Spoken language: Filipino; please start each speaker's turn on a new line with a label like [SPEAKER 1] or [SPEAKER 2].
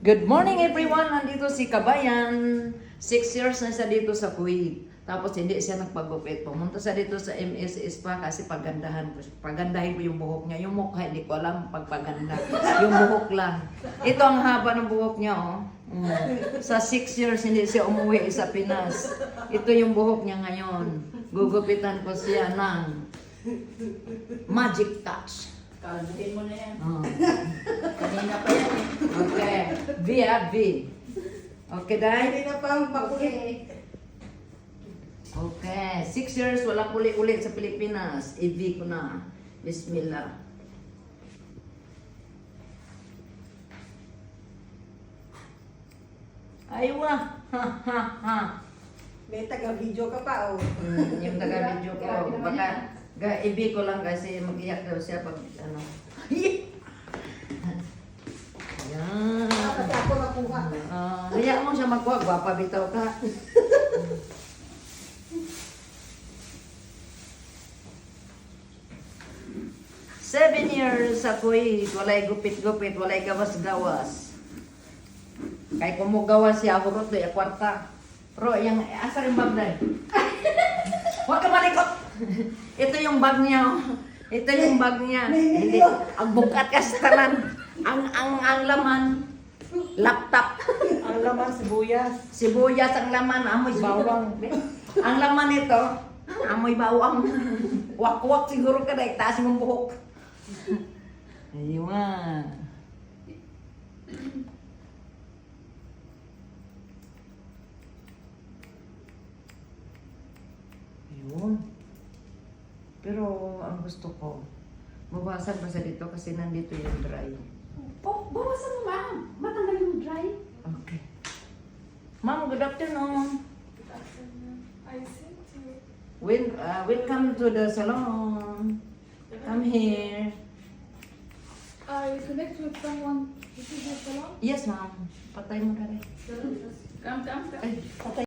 [SPEAKER 1] Good morning everyone! Nandito si Kabayan. 6 years na siya dito sa Kuwait. Tapos hindi siya nagpagupit. Pumunta siya dito sa MSS pa kasi pagandahin ko yung buhok niya. Yung mukha, hindi ko alam pagpaganda. Yung buhok lang. Ito ang haba ng buhok niya, oh. Sa 6 years hindi siya umuwi sa Pinas. Ito yung buhok niya ngayon. Gugupitan ko siya ng magic touch.
[SPEAKER 2] Kalbutin mo na yan.
[SPEAKER 1] Oh.
[SPEAKER 2] Kanina pa yan eh.
[SPEAKER 1] Okay. V. Okay, Day?
[SPEAKER 3] Hindi na pang makulit.
[SPEAKER 1] Okay. 6 years, wala ulit sa Pilipinas. I-V ko na. Bismillah. Aywa. Ha.
[SPEAKER 3] May taga-video ka pa, oh.
[SPEAKER 1] Yung taga-video ko. Baka i-V ko lang kasi mag-iyak daw siya pag ano. Ayan.
[SPEAKER 3] Dapat ako nakuha.
[SPEAKER 1] Hayaan mo siya magkuha. Gwapa bitaw ka. Seven years sa Kuwait, walay gupit-gupit, walay gawas-gawas. Kay kumugawas siya, hurot doy, kwarta. Ro, yung, asa rin bag dahil? Huwag ka malikot! Ito yung bag niya, oh. Ito yung bag niya. Hindi, ang bukat ka sa tanan. Ang laman, laptop.
[SPEAKER 3] Ang laman, sibuyas.
[SPEAKER 1] Sibuyas ang laman, amoy bawang. Ang laman nito, amoy bawang. Wak-wak siguro ka dahil taas mong buhok. Ayun. Ayun. Pero ang gusto ko, mabasag pa sa dito kasi nandito yung dry.
[SPEAKER 2] Oh, bawasan mo ma'am. Matanggal yung dry.
[SPEAKER 1] Okay. Ma'am, good afternoon.
[SPEAKER 4] I sent you.
[SPEAKER 1] Welcome to the salon. Come here.
[SPEAKER 4] I connect with someone. This is your salon?
[SPEAKER 1] Yes, ma'am. Patay mo na rin.
[SPEAKER 2] Come.
[SPEAKER 1] Ay, patay.